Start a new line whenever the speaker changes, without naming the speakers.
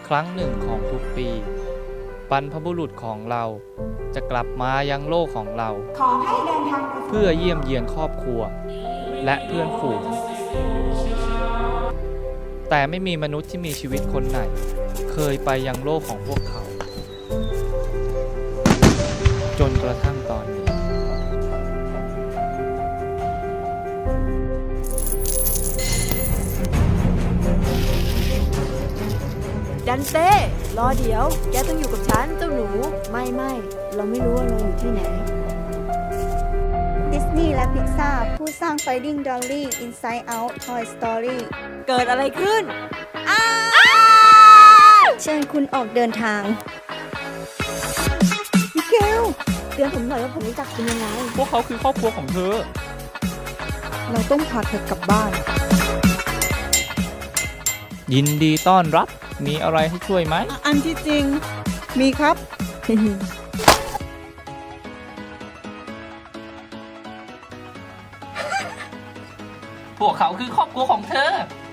รั้งหนึ่งของทุกปีบรรพบุรุษของเราจะกลับมายังโลกของเรา
ขอให้เดินทางไป
เพื่อเยี่ยมเยียนครอบครัวและเพื่อนฝูงแต่ไม่มีมนุษย์ที่มีชีวิตคนไหนเคยไปยังโลกของพวกเขา จนกระทั่งตอนนี้
ดันเต้รอเดี๋ยว แกต้องอยู่กับฉันเจ้าหนู ไม่เราไม่รู้ว่าเราอยู่ที่ไหน
ดิสนีย์และพิกซาร์ผู้สร้าง Finding Dory Inside Out Toy Story
เกิดอะไรขึ้น
เชิญคุณออกเดินทางมิเกลเตือนผมหน่อยว่าผมรู้จักคุณยังไง
พวกเขาคือครอบครัวของเธอ
เราต้องพาเธอกลับบ้าน
ยินดีต้อนรับ มีอะไรให้ช่วยไหม
อันที่จริง มีครับ
พวกเขาคือครอบครัวของเธอ